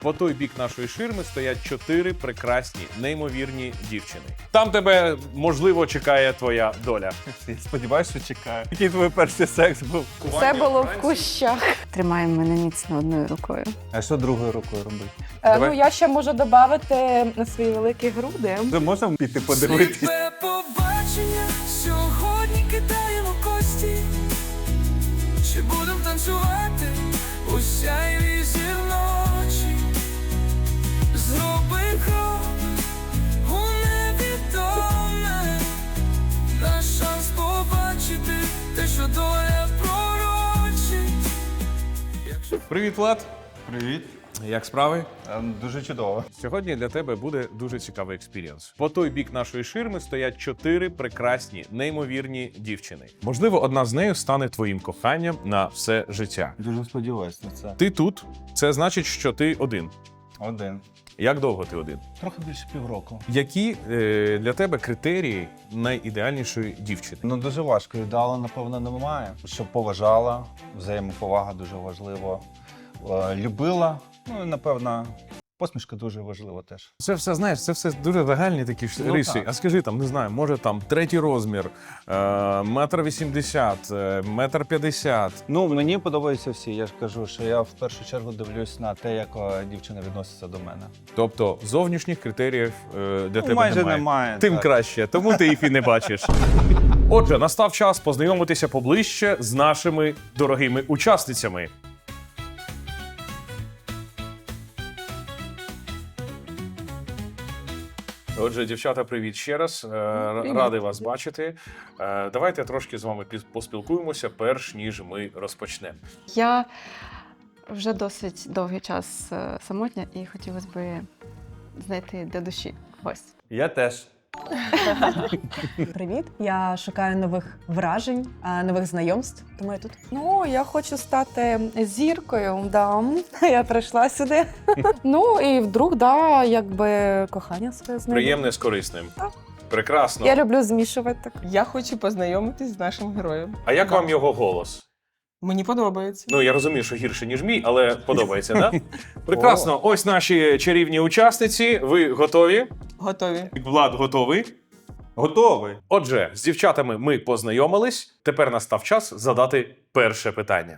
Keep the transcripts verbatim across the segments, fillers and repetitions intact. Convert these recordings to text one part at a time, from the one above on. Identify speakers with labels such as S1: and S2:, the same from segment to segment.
S1: По той бік нашої ширми стоять чотири прекрасні, неймовірні дівчини. Там тебе, можливо, чекає твоя доля.
S2: Я сподіваюся, що чекаю. Який твій перший секс був?
S3: Все було в кущах.
S4: Тримає мене міцно одною рукою.
S2: А що другою рукою робити?
S3: Е,
S1: Давай.
S3: ну, я ще можу додати на свої великі груди.
S2: Вже можна піти подивитись?
S5: Сліпе побачення, сьогодні кидаємо кості. Чи будем танцювати у сяйві зірночі? Зроби крок у невідоме, наш шанс побачити те, що доля пророчить. Якщо
S1: Привіт, Влад!
S2: Привіт.
S1: Як справи?
S2: Ем, Дуже чудово.
S1: Сьогодні для тебе буде дуже цікавий експірієнс. По той бік нашої ширми стоять чотири прекрасні, неймовірні дівчини. Можливо, одна з нею стане твоїм коханням на все життя.
S2: Дуже сподіваюся на це.
S1: Ти тут, це значить, що ти один.
S2: Один.
S1: Як довго ти один?
S2: Трохи більше півроку.
S1: Які е, для тебе критерії найідеальнішої дівчини?
S2: Ну дуже важко. Ідеалу, напевно, немає. Щоб поважала, взаємоповага дуже важливо. Е, Любила. Ну і напевно, посмішка дуже важлива теж.
S1: Це все, знаєш, це все дуже загальні такі ж
S2: Ну,
S1: риси.
S2: так.
S1: А скажи там, не знаю, може там третій розмір, е, метр вісімдесят, е, метр п'ятдесят.
S2: Ну, мені подобаються всі. Я ж кажу, що я в першу чергу дивлюсь на те, як е, дівчина відноситься до мене.
S1: Тобто зовнішніх критеріїв е, для
S2: Ну,
S1: тебе
S2: майже
S1: немає.
S2: немає.
S1: Тим
S2: так.
S1: краще, тому ти їх і не бачиш. Отже, настав час познайомитися поближче з нашими дорогими учасницями. Отже, дівчата, привіт ще раз. Е,
S3: Привіт.
S1: Радий вас бачити. Е, Давайте трошки з вами піс- поспілкуємося, перш ніж ми розпочнемо.
S4: Я вже досить довгий час е, самотня і хотілося б знайти для душі когось.
S2: Я теж.
S6: Привіт! Я шукаю нових вражень, а, нових знайомств, тому я тут.
S3: Ну, я хочу стати зіркою, да. Я прийшла сюди. Ну, і вдруг, да, якби кохання своє знайду.
S1: Приємне з корисним.
S3: Так.
S1: Прекрасно.
S3: Я люблю змішувати так.
S7: Я хочу познайомитись з нашим героєм.
S1: А як вам його голос?
S7: Мені подобається.
S1: Ну, я розумію, що гірше, ніж мій, але подобається, так? Да? Прекрасно. Ось наші чарівні учасниці. Ви готові?
S7: Готові.
S1: Влад готовий?
S2: Готовий.
S1: Отже, з дівчатами ми познайомились. Тепер настав час задати перше питання.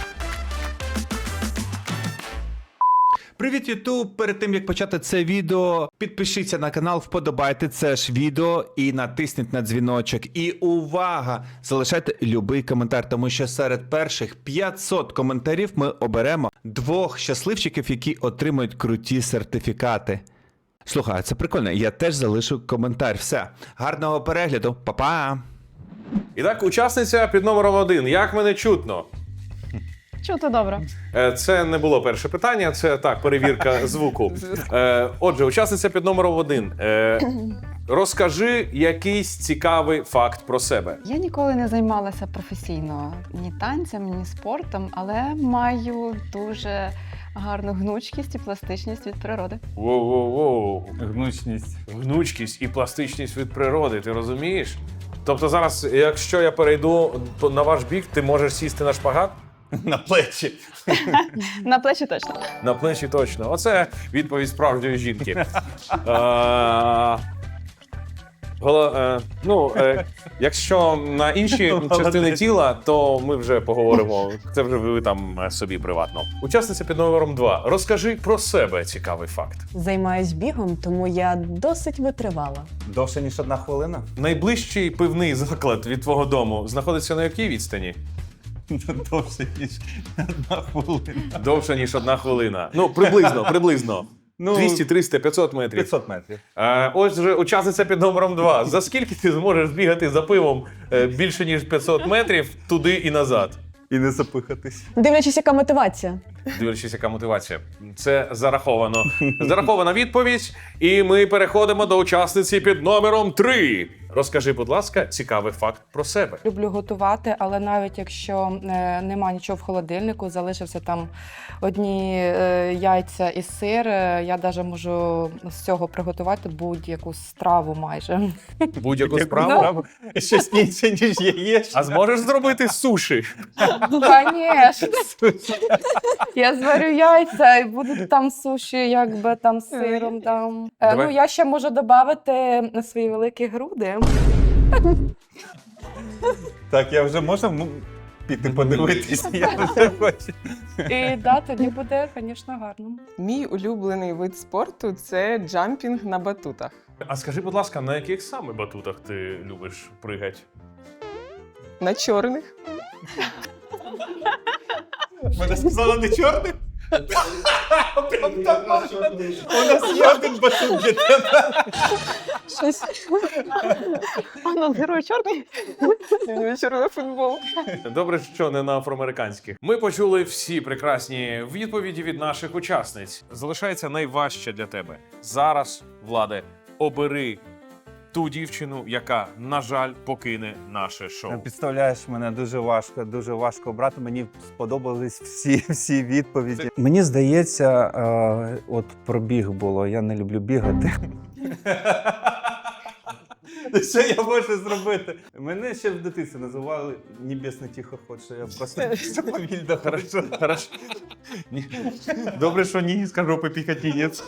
S8: Привіт, Ютуб! Перед тим, як почати це відео, підпишіться на канал, вподобайте це ж відео і натисніть на дзвіночок. І увага! Залишайте любий коментар, тому що серед перших п'ятсот коментарів ми оберемо двох щасливчиків, які отримують круті сертифікати. Слухай, це прикольно, я теж залишу коментар. Все, гарного перегляду, па-па!
S1: І так, учасниця під номером один. Як мене чутно?
S4: Чути добре.
S1: Е, Це не було перше питання, це так, перевірка звуку. Е, Отже, учасниця під номером один. Е, Розкажи якийсь цікавий факт про себе.
S4: Я ніколи не займалася професійно ні танцем, ні спортом, але маю дуже гарну гнучкість і пластичність від природи.
S1: Воу-воу-воу.
S2: Гнучність.
S1: Гнучкість і пластичність від природи, ти розумієш? Тобто зараз, якщо я перейду то на ваш бік, ти можеш сісти на шпагат?
S2: На плечі.
S4: На плечі точно.
S1: На плечі точно. Оце відповідь справжньої жінки. Е, голо- е, Ну, е, якщо на інші частини тіла, то ми вже поговоримо. Це вже ви там е, собі приватно. Учасниця під номером два. Розкажи про себе цікавий факт.
S6: Займаюсь бігом, тому я досить витривала.
S2: Довше, ніж одна хвилина?
S1: Найближчий пивний заклад від твого дому знаходиться на якій відстані?
S2: Довше, ніж одна хвилина.
S1: Довше, ніж одна хвилина. Ну, приблизно, приблизно.
S2: Ну,
S1: двісті, триста, п'ятсот метрів.
S2: п'ятсот метрів.
S1: Е, ось вже учасниця під номером два. За скільки ти зможеш бігати за пивом е, більше, ніж п'ятсот метрів туди і назад?
S2: І не запихатись.
S6: Дивлячись, яка мотивація.
S1: Дивлячись, яка мотивація. Це зараховано. Зарахована відповідь. І ми переходимо до учасниці під номером три. Розкажи, будь ласка, цікавий факт про себе.
S3: Люблю готувати, але навіть якщо е, нема нічого в холодильнику, залишився там одні е, яйця і сир, е, я навіть можу з цього приготувати будь-яку страву майже.
S1: Будь-яку справу.
S2: Щось інше, ніж яєчня.
S1: А зможеш зробити суші?
S3: Звісно. Я зварю яйця і будуть там суші, якби там з сиром. Там. Е,
S1: Давай.
S3: Ну, я ще можу додати на свої великі груди.
S2: Так, я вже можу м, піти подивитися, я вже хочу.
S3: І да, тоді буде, звісно, гарно.
S7: Мій улюблений вид спорту це джампінг на батутах.
S1: А скажи, будь ласка, на яких саме батутах ти любиш пригати?
S7: На чорних.
S2: Мене сказали не чорний? У нас є один батут для тебе.
S4: Щось. А ну, герой чорний.
S7: Чорний футбол.
S1: Добре, що не на афроамериканських. Ми почули всі прекрасні відповіді від наших учасниць. Залишається найважче для тебе. Зараз, Владе, обери ту дівчину, яка, на жаль, покине наше шоу.
S2: Представляєш, мене дуже важко, дуже важко обрати. Мені сподобались всі, всі відповіді. Мені здається, е, от про біг було. Я не люблю бігати. Що я можу зробити? Мене ще в дитинстві називали небесний тихоход, що я просто повільно
S1: Хорошо, хорошо. Ні. Добре, що ні, скажу попікатінець.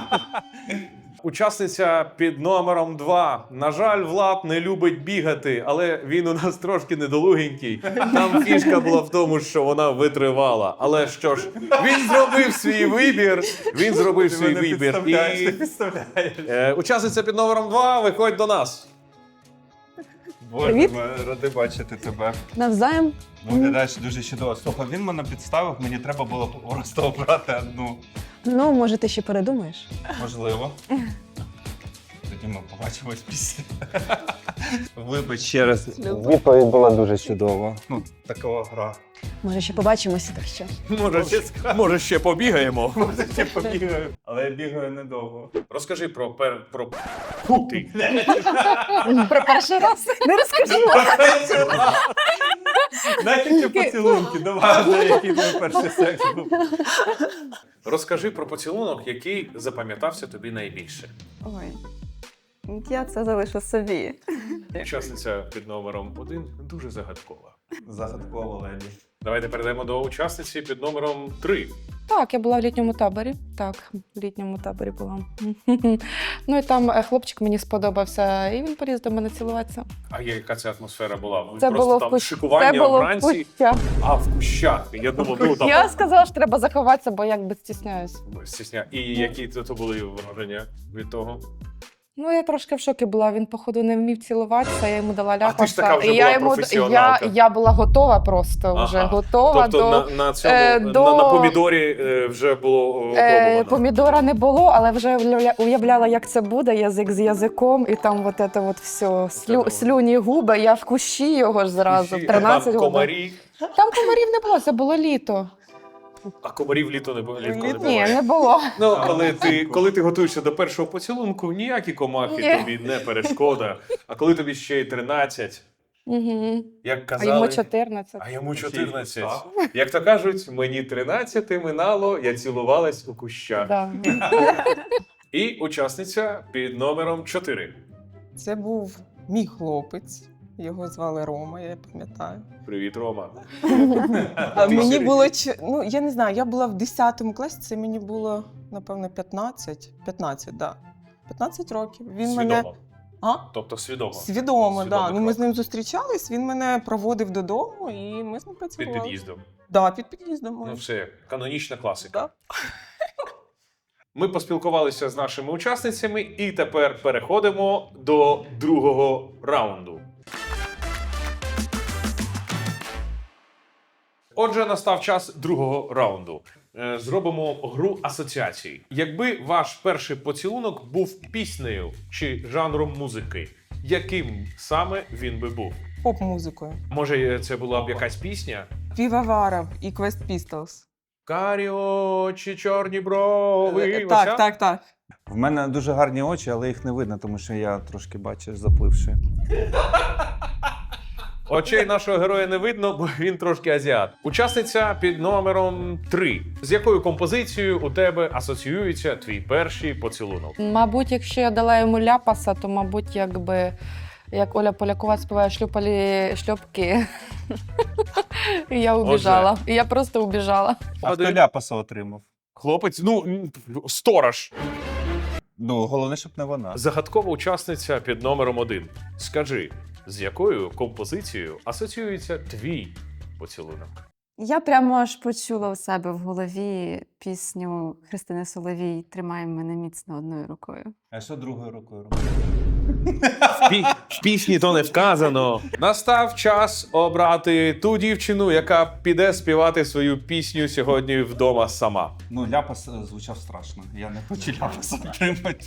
S1: Учасниця під номером два. На жаль, Влад не любить бігати, але він у нас трошки недолугенький. Там фішка була в тому, що вона витривала. Але що ж, він зробив свій вибір. Він зробив свій вибір. І е, учасниця під номером два, виходь до нас.
S2: Боже,
S6: Привіт.
S2: ми ради бачити тебе.
S6: Навзаєм.
S2: Виглядаєш дуже чудово. Слухай, він мене підставив, мені треба було просто обрати одну.
S6: Ну, може, ти ще передумаєш.
S2: Можливо. Тоді ми побачимось після. Вибач ще раз. Відповідь була дуже чудова. Ну, такова гра.
S6: Може, ще побачимося, так що.
S1: Може, ще, може, ще побігаємо.
S2: Може, ще побігаю. Але я бігаю недовго.
S1: Розкажи про пер... про... Фу, ти.
S3: Про перший раз не розкажу.
S2: Дайте ще поцілунки, давай вже, який твій перший секс був.
S1: Розкажи про поцілунок, який запам'ятався тобі найбільше.
S4: Ой. Я це залишу собі.
S1: Учасниця під номером один дуже загадкова.
S2: Загадково, леді.
S1: Давайте перейдемо до учасниці під номером три.
S3: Так, я була в літньому таборі. Так, в літньому таборі була. Ну і там е, хлопчик мені сподобався, і він поліз до мене цілуватися.
S1: А яка це атмосфера була? Ви
S3: Це
S1: просто
S3: було в
S1: там
S3: кущ-
S1: шикування
S3: Це було в
S1: вранці,
S3: кущах.
S1: а в кущах. Я думав, ну там
S3: Я сказала, що треба заховатися, бо якби стісняюсь.
S1: стісня. І які то були враження від того?
S3: Ну, я трошки в шокі була. Він, походу, не вмів цілуватися, я йому дала
S1: А ти ж
S3: ляпаса.
S1: така вже
S3: і я
S1: була
S3: йому я,
S1: професіоналка.
S3: я була готова просто, вже
S1: Ага.
S3: готова
S1: Тобто
S3: до.
S1: на, на цьому
S3: е,
S1: на,
S3: до-
S1: на помідорі е, вже було
S3: Е,
S1: опробовано.
S3: помідора не було, але вже уявля- уявляла, як це буде, язик з язиком, і там от це от все, слю,
S1: Це
S3: слюні губи, я в кущі його ж зразу, в
S1: Кущі,
S3: тринадцять
S1: там
S3: губи.
S1: комарі.
S3: Там комарів не було, це було літо.
S1: А комарів літо не було. Літко не
S7: Літо?
S3: Ні,
S1: буває.
S3: не було.
S1: Ну, коли ти, коли ти готуєшся до першого поцілунку, ніякі комахи
S3: Ні.
S1: тобі не перешкода. А коли тобі ще й тринадцять,
S3: Угу.
S1: як
S3: А
S1: казали,
S3: йому чотирнадцять.
S1: а йому чотирнадцять. Як то кажуть, мені тринадцять минало, я цілувалась у кущах.
S3: Да.
S1: І учасниця під номером чотири.
S7: Це був мій хлопець. Його звали Рома, я пам'ятаю.
S1: Привіт, Рома.
S7: А
S1: Ти
S7: мені
S1: серйозно?
S7: було ч- ну я не знаю, я була в десятому класі, це мені було напевно п'ятнадцять. п'ятнадцять, да. п'ятнадцять років. Він мене
S1: Свідомо.
S7: а?
S1: Тобто свідомо.
S7: Свідомо,
S1: Свідомий
S7: да. Ну, ми
S1: крок.
S7: з ним зустрічались, він мене проводив додому і ми з ним
S1: Під
S7: працювали.
S1: під'їздом.
S7: Да, під під'їздом.
S1: Ну все, канонічна класика.
S7: Да.
S1: Ми поспілкувалися з нашими учасницями і тепер переходимо до другого раунду. Отже, настав час другого раунду. Е, Зробимо гру асоціацій. Якби ваш перший поцілунок був піснею чи жанром музики, яким саме він би був?
S7: Поп-музикою.
S1: Може, це була б якась пісня?
S7: Півоваров і Quest Pistols.
S1: Карі очі, чорні брови.
S7: Е,
S1: Оця?
S7: Так, так, так.
S2: В мене дуже гарні очі, але їх не видно, тому що я трошки, бачиш, запливши.
S1: Очей нашого героя не видно, бо він трошки азіат. Учасниця під номером три. З якою композицією у тебе асоціюється твій перший поцілунок?
S3: Мабуть, якщо я дала йому ляпаса, то, мабуть, якби як Оля Полякова співає шлюпалі шльопки. І я убіжала. І я просто убіжала.
S2: А хто
S1: Один.
S2: ляпаса отримав?
S1: Хлопець, ну, м, сторож.
S2: Ну, головне, щоб не вона.
S1: Загадкова учасниця під номером один. Скажи, з якою композицією асоціюється твій поцілунок?
S4: Я прямо аж почула у себе в голові пісню Христини Соловій «Тримай мене міцно одною рукою».
S2: А що другою рукою робити?
S1: В, пі- в пісні то не вказано. Настав час обрати ту дівчину, яка піде співати свою пісню сьогодні вдома сама.
S2: Ну, ляпас е, звучав страшно. Я не хочу ляпаса отримати.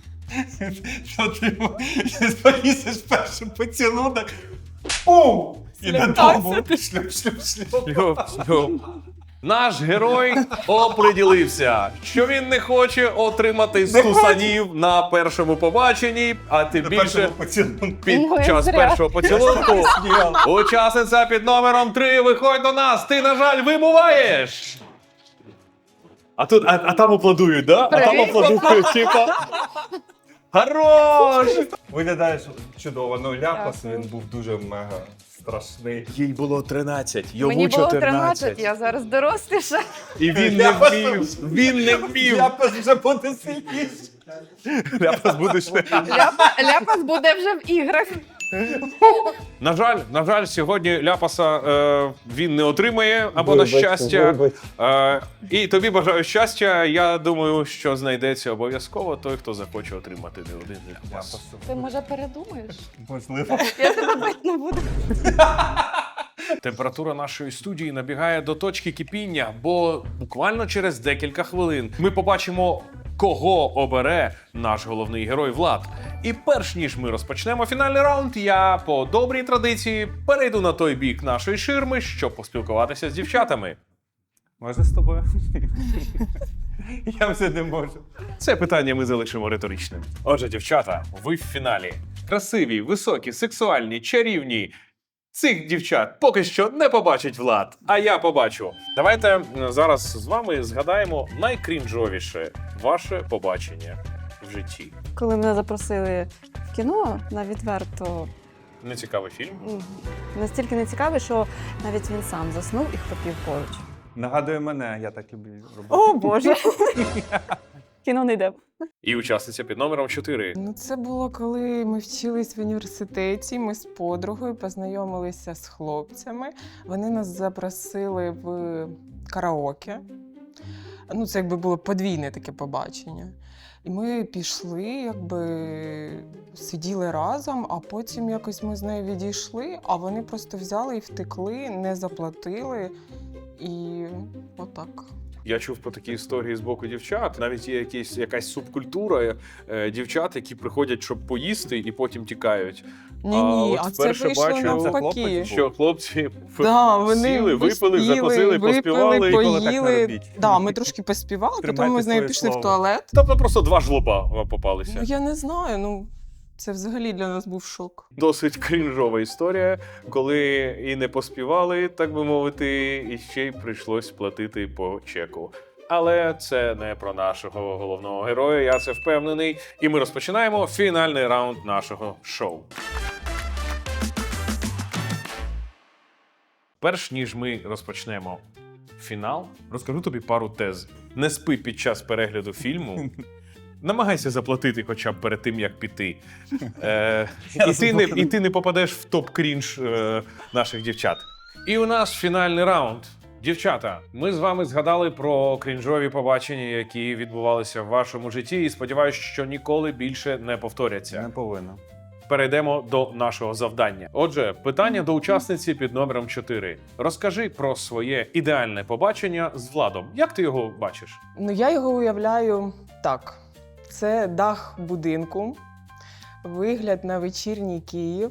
S2: Що ти повісиш перший поцілунок? Пум! І додому. Шлюп, шлюп, шлюп.
S1: Шлюб, шлюб. Наш герой оприділився, що він не хоче отримати стусанів на першому побаченні, а тим
S2: На
S1: більше
S2: першому поцілунку.
S1: під
S4: Ну, як
S1: час
S4: зря.
S1: першого поцілунку. Учасниця під номером три, виходь до нас, ти, на жаль, вибуваєш. А тут, а, а там аплодують, да? А там
S3: Привіт.
S1: аплодують, типа. Хорош!
S2: Виглядаєш чудово. Ну, ляпас, він був дуже мега страшний.
S1: Їй було тринадцять, йому
S3: Мені було
S1: чотирнадцять.
S3: тринадцять, я зараз доросліша.
S1: І він не вмів, він не вмів.
S2: Ляпас вже буде сильніше.
S1: Ляпас буде ще.
S3: Ляпа, ляпас буде вже в іграх.
S1: На жаль, на жаль, сьогодні ляпаса е, він не отримає, або на щастя. Е, і тобі бажаю щастя. Я думаю, що знайдеться обов'язково той, хто захоче отримати не один ляпас.
S3: Ти, може, передумаєш?
S2: Можливо.
S3: Я тебе бити не буду.
S1: Температура нашої студії набігає до точки кипіння, бо буквально через декілька хвилин ми побачимо, кого обере наш головний герой Влад. І перш ніж ми розпочнемо фінальний раунд, я по добрій традиції перейду на той бік нашої ширми, щоб поспілкуватися з дівчатами.
S2: Можна з тобою? Я вже не можу.
S1: Це питання ми залишимо риторичним. Отже, дівчата, ви в фіналі. Красиві, високі, сексуальні, чарівні. Цих дівчат поки що не побачить Влад, а я побачу. Давайте м, зараз з вами згадаємо найкрінжовіше ваше побачення в житті.
S4: Коли мене запросили в кіно на відверто
S1: Нецікавий фільм.
S4: м, настільки нецікаве, що навіть він сам заснув і хропів поруч.
S2: Нагадує мене, я так люблю робити.
S4: О, Боже! Кіно не йде.
S1: І учасниця під номером чотири.
S7: Ну, це було, коли ми вчились в університеті. Ми з подругою познайомилися з хлопцями. Вони нас запросили в караоке. Ну, це якби було подвійне таке побачення. І ми пішли, якби сиділи разом, а потім якось ми з нею відійшли, а вони просто взяли і втекли, не заплатили. І отак.
S1: Я чув про такі історії з боку дівчат. Навіть є якісь, якась субкультура е, дівчат, які приходять, щоб поїсти, і потім тікають.
S7: Ні-ні,
S1: от
S7: а, це
S1: вперше
S7: вийшло
S1: бачу,
S7: навпаки.
S1: що хлопці
S7: Да, вони
S1: сіли, випили,
S7: поспіли,
S1: закусили, поспівали.
S7: випили,
S2: Ніколи так не
S7: поїли.
S2: робіть.
S7: Да, ми трошки поспівали, потім
S2: Тримайте
S7: ми з нею
S2: своє
S7: пішли
S2: слово.
S7: в туалет.
S1: Тобто просто два жлоба вам попалися.
S7: Ну, я не знаю, ну це взагалі для нас був шок.
S1: Досить крінжова історія, коли і не поспівали, так би мовити, і ще й прийшлось платити по чеку. Але це не про нашого головного героя, я це впевнений. І ми розпочинаємо фінальний раунд нашого шоу. Перш ніж ми розпочнемо фінал, розкажу тобі пару тез. Не спи під час перегляду фільму. Намагайся заплатити хоча б перед тим, як піти. Е, і, ти не, і ти не попадеш в топ-крінж е, наших дівчат. І у нас фінальний раунд. Дівчата, ми з вами згадали про крінжові побачення, які відбувалися в вашому житті, і сподіваюся, що ніколи більше не повторяться.
S2: Не повинна.
S1: Перейдемо до нашого завдання. Отже, питання до учасниці під номером чотири. Розкажи про своє ідеальне побачення з Владом. Як ти його бачиш?
S7: Ну я його уявляю так: це дах будинку, вигляд на вечірній Київ,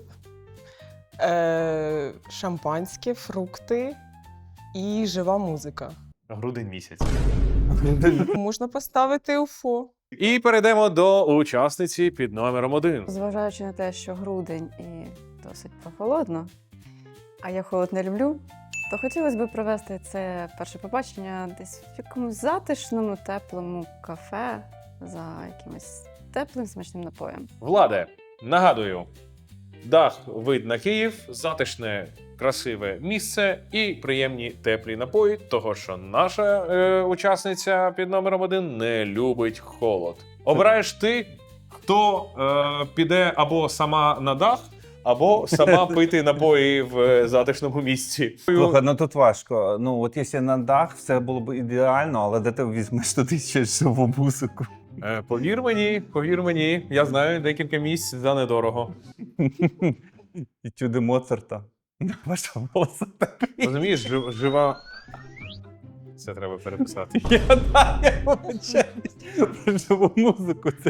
S7: е- шампанське, фрукти і жива музика.
S1: Грудень місяць.
S7: Можна поставити уфо.
S1: І перейдемо до учасниці під номером один.
S4: Зважаючи на те, що грудень і досить прохолодно, а я холод не люблю, то хотілося б провести це перше побачення десь в якомусь затишному, теплому кафе за якимось теплим смачним напоєм.
S1: Владе, нагадую, Дах, вид на Київ, затишне, красиве місце і приємні теплі напої, того що наша е, учасниця під номером один не любить холод. Обираєш ти, хто е, піде або сама на дах, або сама пити напої в е, затишному місці.
S2: Слухай, ну тут важко. Ну, от якщо на дах, все було б ідеально, але де ти візьмеш туди ще живу музику?
S1: Е, повір мені, повір мені, я знаю декілька місць за недорого.
S2: І чуди Моцарта. Ваша голоса такий.
S1: Розумієш, жив, жива. Це треба переписати.
S2: Я да, я вибачаюсь. Про живу музику це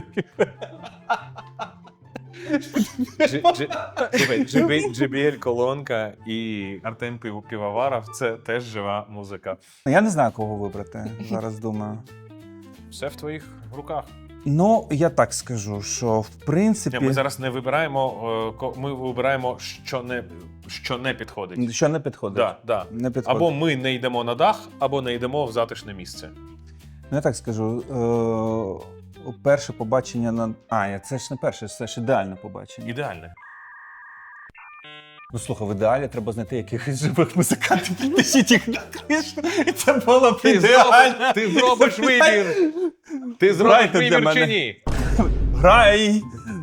S1: Джи- джи- слухай, джі бі- джі бі ель колонка і Артем Пив- Пивоваров – це теж жива музика.
S2: Я не знаю, кого вибрати, зараз думаю.
S1: Все в твоїх руках.
S2: Ну, я так скажу, що в принципі,
S1: Ні, ми зараз не вибираємо, е, ко- ми вибираємо, що не, що не підходить.
S2: що не підходить.
S1: Да, да.
S2: Не підходить.
S1: Або ми не йдемо на дах, або не йдемо в затишне місце.
S2: Ну, я так скажу, е- перше побачення на. А, я- це ж не перше, це ж ідеальне побачення.
S1: Ідеальне.
S2: Ну, слухай, в ідеалі треба знайти якихось живих музикантів, підтащити їх на кришу, і це було б
S1: Ти,
S2: ідеально.
S1: зробиш, ти зробиш вибір! Ти зробиш
S2: Грайте для
S1: вибір чи
S2: мене.
S1: ні?
S2: Грай!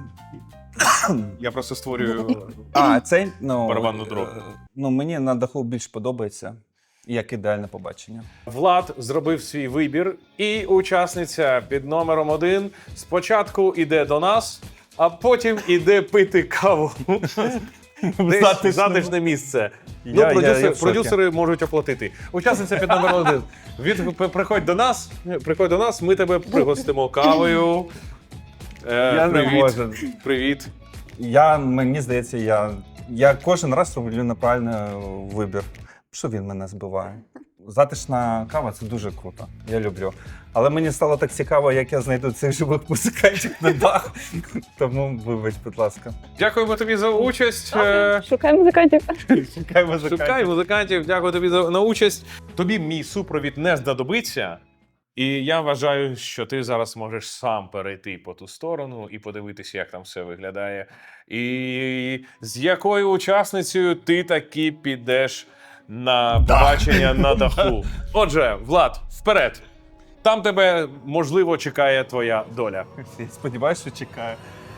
S1: Я просто створюю.
S2: А, цей, ну,
S1: Барабанну дробь.
S2: е, Ну, мені на даху більш подобається, як ідеальне побачення.
S1: Влад зробив свій вибір, і учасниця під номером один спочатку йде до нас, а потім іде пити каву. Десь
S2: Затишному.
S1: затишне місце.
S2: Я-
S1: ну,
S2: я-
S1: продюсери,
S2: я в шокі.
S1: продюсери можуть оплатити. Учасниця під номером один. Від, п- приходь до нас, приходь до нас, ми тебе пригостимо кавою. Е,
S2: Я не
S1: привіт.
S2: можу.
S1: Привіт.
S2: Я, мені здається, я, я кожен раз роблю неправильний вибір. Що він мене збиває? Затишна кава це дуже круто. Я люблю. Але мені стало так цікаво, як я знайду цих живих музикантів на дах. Тому вибач, будь ласка.
S1: Дякуємо тобі за участь. Е,
S4: Шукай музикантів.
S2: Шукай музикантів.
S1: Шукай музикантів, дякую тобі за на участь. Тобі мій супровід не знадобиться, і я вважаю, що ти зараз можеш сам перейти по ту сторону і подивитися, як там все виглядає. І з якою учасницею ти таки підеш на побачення на даху. Отже, Влад, вперед! Там тебе, можливо, чекає твоя доля.
S2: Я сподіваюся, що чекаю.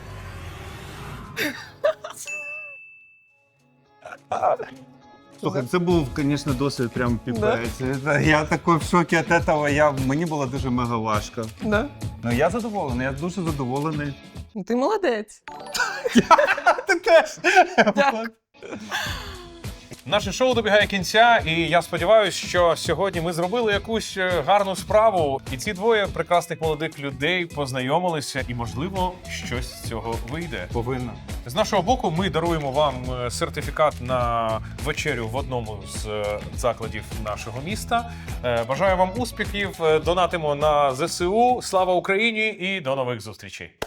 S2: Слухай, це був, звісно, досвід прям піпець. Я такий в шокі від цього, я, мені було дуже мега важко.
S7: Да.
S2: Ну я задоволений, я дуже задоволений.
S7: Ну, ти молодець.
S2: Ти теж.
S1: Наше шоу добігає кінця, і я сподіваюся, що сьогодні ми зробили якусь е, гарну справу. І ці двоє прекрасних молодих людей познайомилися, і, можливо, щось з цього вийде.
S2: Повинна.
S1: З нашого боку, ми даруємо вам е, сертифікат на вечерю в одному з е, закладів нашого міста. Е, Бажаю вам успіхів, е, донатимо на зе се у. Слава Україні і до нових зустрічей!